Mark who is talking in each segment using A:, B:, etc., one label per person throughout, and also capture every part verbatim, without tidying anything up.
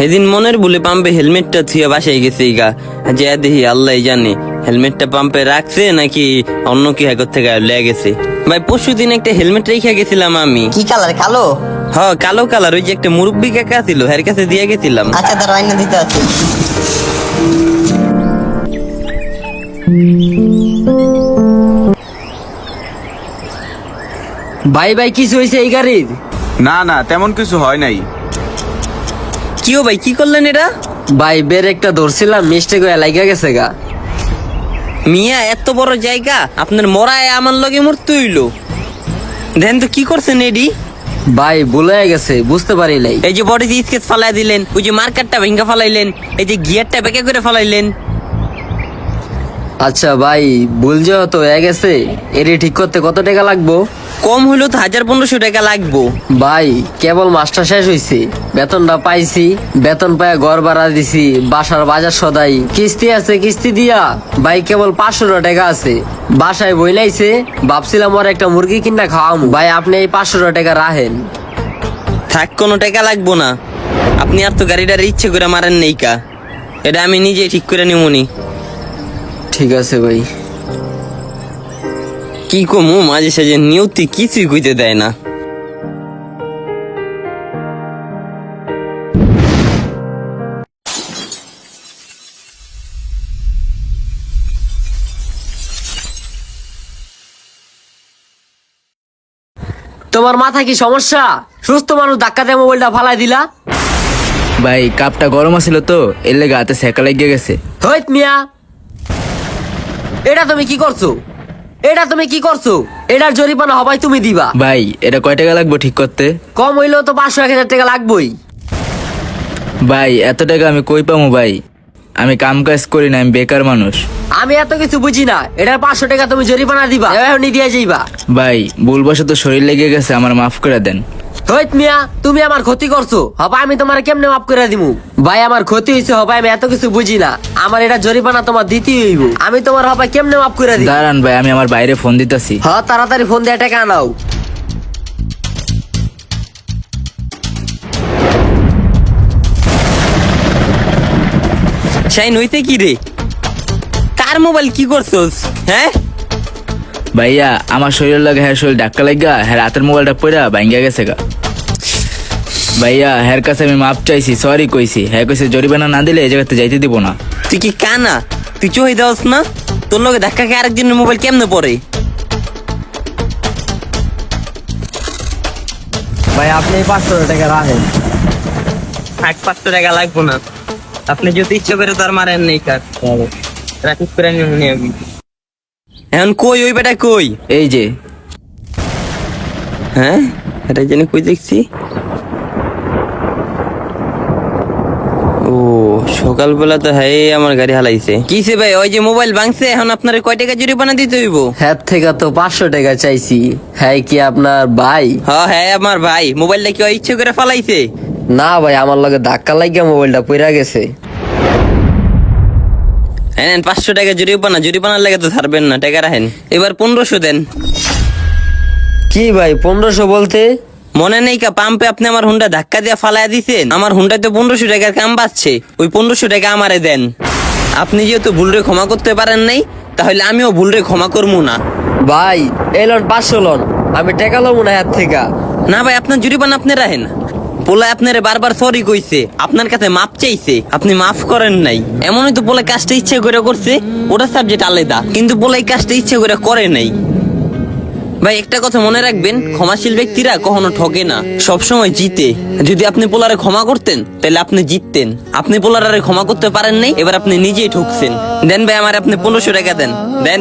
A: সেদিন মনের ভুলে পাম্পে হেলমেটটা থুয়ে বাসায় গেছে গা, যে দেখি আল্লাহ জানে হেলমেটটা পাম্পে রাখছে নাকি অন্য কি হ্যাকর থেকে লেগে গেছে। ভাই পরশু দিন একটা হেলমেট রেখে গেছিলাম আমি।
B: কি কালার? কালো?
A: হ কালো কালার, ওই যে একটা মুরব্বী কাকা ছিল এর কাছে দিয়ে গেছিলাম।
B: আচ্ছা তার আইনা দিতে আছে।
C: ভাই ভাই কিছু হয়েছে এই গাড়ির?
D: না না তেমন কিছু হয় নাই।
A: কিও ভাই কি করলেন এটা?
C: ভাই বের একটা ধরছিলাম মিস্টেক হয়ে লাগা গেছে গা।
A: মিয়া এত বড় জায়গা আপনার মরায় আমার লগে মরতে হইলো। দেন তো কি করছেন এডি?
C: ভাই ভুল হয়ে গেছে, বুঝতে পারি নাই।
A: এই যে বডি স্কেচ ফালাই দিলেন, ওই যে মার্কারটা ভেঙ্গা ফালাইলেন, এই যে গিয়ারটা বেঁকে করে ফালাইলেন।
C: আচ্ছা ভাই ভুল যেহেতু হয়ে গেছে, এটি ঠিক করতে কত টাকা লাগবো?
A: কম হইলো তো হাজার পনেরোশো টাকা লাগবো।
C: ভাই কেবল মাসটা শেষ হয়েছে, বেতনটা পাইছি, বেতন পায় ঘর ভাড়া দিছি, বাসার বাজার সদাই, কিস্তি আছে কিস্তি দিয়া ভাই কেবল পাঁচশো টাকা আছে। বাসায় বই লাইছে, ভাবছিলাম ওর একটা মুরগি কিনা খাওয়ামু। ভাই আপনি এই পাঁচশো টাকা রাখেন।
A: থাক কোনো টাকা লাগবো না, আপনি আর তো গাড়িটার ইচ্ছে করে মারেন নেই কা, এটা আমি নিজে ঠিক করে নিমুনি।
C: ঠিক আছে ভাই।
A: কি কমু মাঝে সাঝে নিয়তি কিছুই কইতে দেয় না।
C: তোমার মাথা কি সমস্যা? সুস্থ মানুষ ধাক্কা দিয়ে মোবাইলটা ফালাই দিলা।
E: ভাই কাপটা গরম আছিল তো এর লেগে হাতে সেকা লেগে গেছে।
C: হইত মিয়া, এটা তুমি কি করছো? এটা তুমি কি করছো? এটার জরিমানা হবাই তুমি দিবা।
E: ভাই এটা কয় টাকা লাগবে ঠিক করতে?
C: কম হইলেও তো পাঁচশো এক হাজার টাকা লাগবেই।
E: ভাই এত টাকা আমি কই পামু ভাই, আমি কাম কাজ করি না, আমি বেকার মানুষ।
C: আমি এত কিছু বুঝি না, এটার পাঁচশো টাকা তুমি জরিমানা দিবা, এখনই দিয়ে যাইবা।
E: ভাই ভুলবশত শরীর লেগে গেছে, আমার মাফ করে দেন।
C: হইত মিয়া, তুমি আমার ক্ষতি করছো, হবা আমি তোমার কেমনে মাফ করে দিমু? ভাই আমার ক্ষতি হয়েছে, হবা আমি এত কিছু বুঝি না, আমার এটা জরিমানা তোমার দিতেই হইব। আমি তোমার হবা কেমনে মাফ করে দিব?
E: দাঁড়ান ভাই আমি আমার বাইরে ফোন দিতেছি।
C: হ তাড়াতাড়ি ফোন দিয়ে টাকা আনাও।
A: শাইন হইতে কি রে? কার মোবাইল কি করছোস? হ্যাঁ
E: ভাইয়া আমার শরীর লাগে, হ্যাঁ শরীর ধাক্কা লাগা, হ্যাঁ রাতের মোবাইলটা পড়া ভাঙ্গা গেছে গা। ভাইয়া হ্যার কাছে আমি মাপ চাইছি, সরি কইছি, হ্যাঁ কইছে জরিমানা না দিলে এই জায়গাতে যাইতে দিব না।
A: তুই কি কানা? তুই চোহে দেওয়াস না? তোর লগে ধাক্কা খেয়ে আরেকজনের মোবাইল কেমনে পড়ে?
C: ভাই আপনি পাঁচশো টাকা রাখেন।
A: এক পাঁচশো টাকা লাগবো না, আপনি যদি ইচ্ছে করে তার মারেন নেই কার রাখিস করে নিয়ে আমি। এখন কই ওই বেটা কই?
E: এই যে
A: হ্যাঁ এটা জানি কই দেখছি। ও সকালবেলা তো হ্যাঁ আমার গাড়ি হালাইছে। কিসে ভাই ওই যে মোবাইল ভাঙছে, এখন আপনার কয় টাকা জরিমানা দিতে হইব?
C: হ্যাঁ থেকে তো পাঁচশো টাকা চাইছি। হ্যাঁ কি আপনার ভাই?
A: হ্যাঁ হ্যাঁ আমার ভাই। মোবাইলটা কি ওই ইচ্ছে করে ফালাইছে?
C: না ভাই আমার লগে ধাক্কা লাগিয়া মোবাইলটা পড়া গেছে।
A: হ্যাঁ পাঁচশো টাকা জরিমানা, জরিমানার লাগে তো ছাড়বেন না, টাকা রাখেন। এবার পনেরোশো দেন।
C: কি ভাই পনেরোশো বলতে?
A: মনে নেই কা পাম্পে আপনি আমার হুন্ডা ধাক্কা দিয়ে ফালাই দিছেন, আমার হুন্ডায় তো পনেরোশো টাকার কাম বাচ্ছে, ওই পনেরোশো টাকা আমারে দেন। আপনি যেহেতু ভুলরে ক্ষমা করতে পারেন নাই, তাহলে আমিও ভুলরে ক্ষমা করবো না।
C: ভাই এই লোন পাঁচশো লোন, আমি টাকা লবো না হাত থেকে।
A: না ভাই আপনার জরিমানা আপনি রাখেন। পোলা আপনারে বারবার সরি কইছে, আপনার কাছে মাপ চাইছে, আপনি মাফ করেন নাই। এমনই তো পোলা কাজটা ইচ্ছে করে করছে, ওটা সাবজেক্ট আলাদা, কিন্তু পোলা এই কাজটা ইচ্ছে করে করে নাই। ভাই একটা কথা মনে রাখবেন, ক্ষমাশীল ব্যক্তিরা কখনো ঠকে না, সবসময় জিতে। যদি আপনি পোলারে ক্ষমা করতেন তাহলে আপনি জিততেন। আপনি পোলারে ক্ষমা করতে পারেন নাই, এবার আপনি নিজেই ঠকছেন। দেন ভাই আমার আপনি পনেরোশো টাকা দেন, দেন।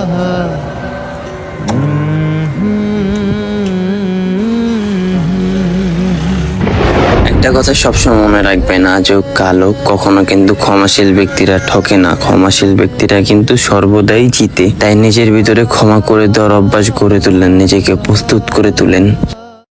A: একটা কথা সবসময় মনে রাখবেন, আজও কালো কখনো কিন্তু ক্ষমাশীল ব্যক্তিরা ঠকে না, ক্ষমাশীল ব্যক্তিরা কিন্তু সর্বদাই জিতে। তাই নিজের ভিতরে ক্ষমা করে দেওয়ার অভ্যাস গড়ে তুলেন, নিজেকে প্রস্তুত করে তুলেন।